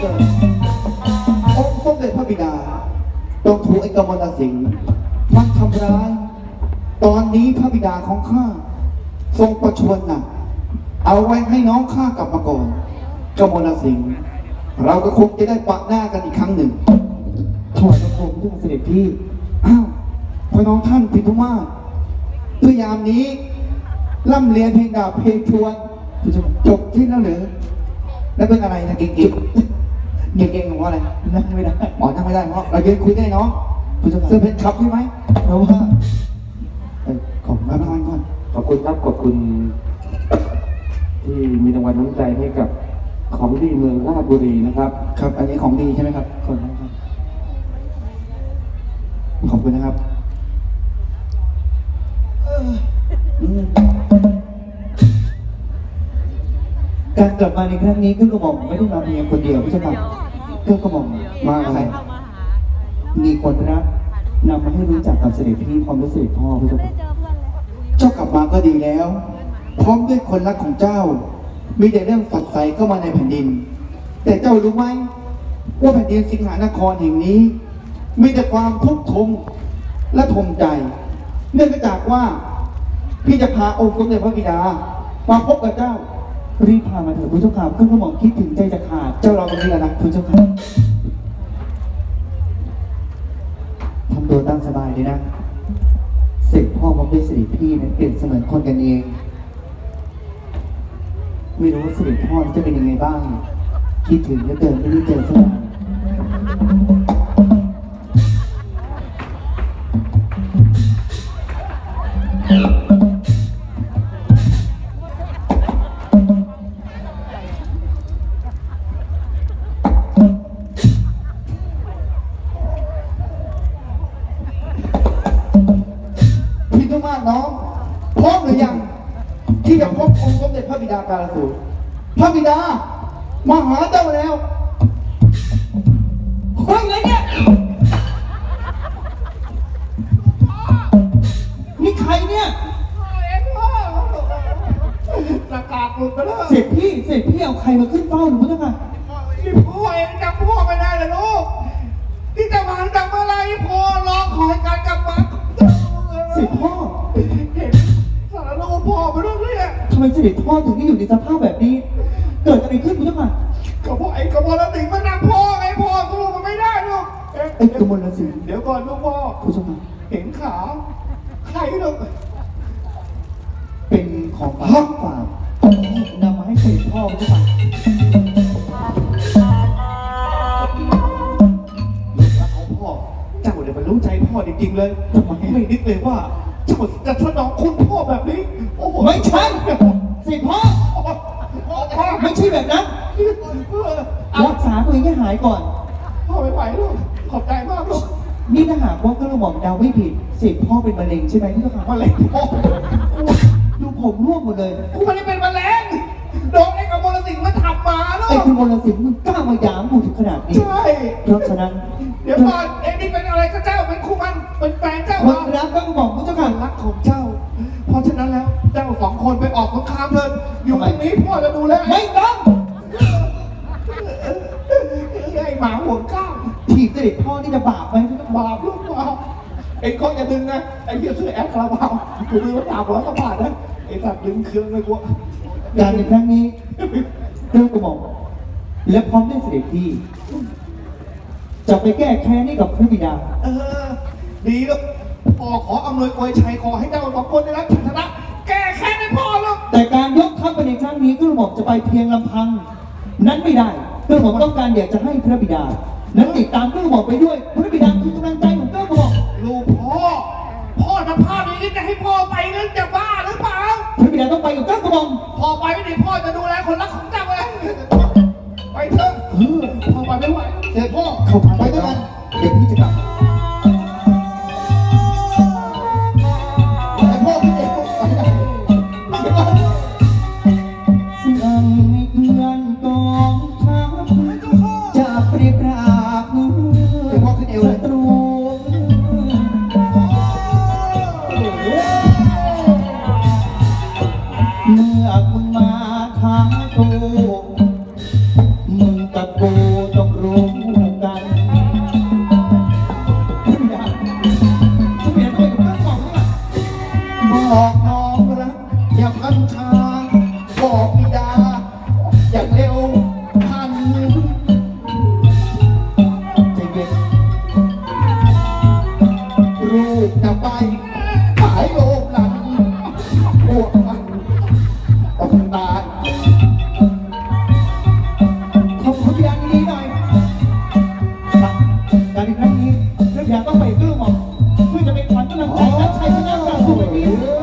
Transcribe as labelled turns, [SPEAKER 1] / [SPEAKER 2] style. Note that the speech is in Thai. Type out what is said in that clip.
[SPEAKER 1] องค์สมเด็จพระบิดาต้องถูกไอ้กมลสิงห์มันทำร้ายตอนนี้พระบิดาของข้าทรงประชวรหนักเอาไว้ให้น้องข้ากลับมาก่อนกมลสิงห์เราก็คงจะได้ปะหน้ากันอีกครั้งหนึ่งถวายพระโคมด้วยเสด็จพี่อ้าวพอน้องท่านพิทุมาศพยายามนี้ล่ำเรียนเพลงดาบเพลงชวนจบที่แล้วหรือแล้วเป็นอะไรนะเก่งๆเก่งๆของว่าอะไรนั่งไม่ได้อ๋อนั่งไม่ได้เพราะเรายืนคุยได้น้องเสื้อเพชรครับใช่ไหมเพราะว่าขอบคุณมากก่อน
[SPEAKER 2] ขอบคุณครับขอบคุณที่มีรางวัลน้ำใจให้กับของดีเมืองราชบุรีนะครับ
[SPEAKER 1] ครับ อันนี้ของดีใช่ไหมครับขอบคุณครับขอบคุณนะครับการกลับมาในครั้งนี้ก็กระหม่อมไม่ได้มาเพียงคนเดียวพี่เจ้าค่ะก็กระหม่อมมาใครมีคนรักนำมาให้รู้จักกับเสด็จพี่พร้อมด้วยเสด็จพ่อพี่เจ้าค่ะเจ้ากลับมาก็ดีแล้ว พร้อมด้วยคนรักของเจ้ามีแต่เรื่องฝัดใสเข้ามาในแผ่นดิน แต่เจ้ารู้ไหมว่าแผ่นดินสิงหานครแห่งนี้ มีแต่ความทุกข์ทนและทมใจ เนื่องจากว่าพี่จะพาองค์สมเด็จพระบิดามาพบกับเจ้ารีบพามาเถิดพระเจ้าค่ะก็กระหม่อมคิดถึงใจจะขาดเจ้ารอตรงนี้แล้วนะพระเจ้าค่ะทำตัวตั้งสบายเลยนะเสร็จพ่อมาด้วยสิริพี่นั้นเปลี่ยนเสมือนคนกันเองไม่รู้ว่าสิริพ่อจะเป็นยังไงบ้างคิดถึงแล้วเดินไม่ได้เจอสักวันพี่ต้องมาน้องพร้อมหรือยังที่จะพบองค์สมเด็จพระบิดากาลสูตรพระบิดามาหาเจ้าแล้วเฮ้ยอะไรเนี่ยนี่ใครเนี่ยประกาศหลุดไปแล้วเสร็จพี่เอาใครมาขึ้นเฝ้าหนูมั้งอ่ะนี่พ่อเองจำพ่อไม่ได้เลยลูกที่จะมาจากเมื่อไรพ่อรอคอยการกลับมาเสร็จพ่อเห็นสารลูกพ่อไปด้วยเนี่ยทำไมเสด็จพ่อถึงได้อยู่ในสภาพแบบนี้เกิดอะไรขึ้นมั้งอ่ะก็พ่อไอ้กมลสิงห์มันนำพ่อไงพ่อสู้มันไม่ได้ลูกไอ้กมลสิงห์เดี๋ยวก่อนลูกพ่อคุณชมเห็นขาใครลูกเป็นของฝากนำมาให้เสด็จพ่อคุณชมลูกรักของพ่อเจ้าเนี่ยมันรู้ใจพ่อจริงๆเลยทำไมไม่นึกเลยว่าเจ้าจะสนองคุณพ่อแบบนี้โอ้โหไม่ใช่สิพ่อไม่ใช่แบบนั้นรักษาตัวเองให้หายก่อนพ่อไม่ไหวลูกขอบใจมากลูกนี่ถ้าหากว่าก็ระหม่อมเดาไม่ผิดสิพ่อเป็นมะเร็งใช่ไหมที่เขาถามมะเร็งพ่อดูผมร่วงหมดเลยกูไม่ได้เป็นมะเร็งโดนไอ้กมลสิงห์มันทำมาลูกไอ้กมลสิงห์มึงกล้ามาหยามกูถึงขนาดนี้ใช่เพราะฉะนั้นเดี๋ยวก่อนเอ็งนี่เป็นอะไรกับเจ้าเป็นคู่มันเป็นแฟนเจ้าคนรักก็บอกพระเจ้าค่ะรักของเจ้าเพราะฉะนั้นแล้วเจ้าสองคนไปออกสงครามเลยอยู่ตรงนี้พ่อจะดูแลไม่ต้องไอ้หมาห่วงก้าวถีบเสด็จพ่อนี่จะบาปไหมบาปลูกบาปไอ้ข้ออย่าดึงนะไอ้เหี้ยเสื้อแอคคาราบาวกูดูว่า300 กว่าบาทนะไอ้สัตว์ดึงเครื่องเลยกูการในครั้งนี้เรื่องกระหม่อมและพร้อมด้วยเสด็จพี่จะไปแก้แค้นให้กับพระบิดาดีแล้วพ่อขออำนวยอวยชัยขอให้เจ้าสองคนได้รับชัยชนะแก้แค้นให้พ่อแล้วแต่การยกทัพไปในครั้งนี้ก็ระหม่อมจะไปเพียงลำพังนั้นไม่ได้กระหม่อมต้องการอยากจะให้พระบิดานั้นติดตามกระหม่อมไปด้วยพระบิดาคือกำลังใจของกระหม่อมลูกพ่อสภาพอย่างนี้จะให้พ่อไปนั้นจะบ้าหรือเปล่าพระบิดาต้องไปกับกระหม่อมพ่อไปไม่ได้พ่อจะดูแลคนรักของเจ้าเลยไปเถอะพ่อไปไม่ไหวเดี๋ยวพ่อเข้าไปด้วยกันเดี๋ยวพี่จะกลับมึงกับกูตหายโลภหลังพวกมันต้องตายขอบคุณอย่างนี้หน่อยการในครั้งนี้เรื่องอย่างต้องไปตื้อหมอกเพื่อจะเป็นขวัญกำลังใจและชัยชนะการสู้ในนี้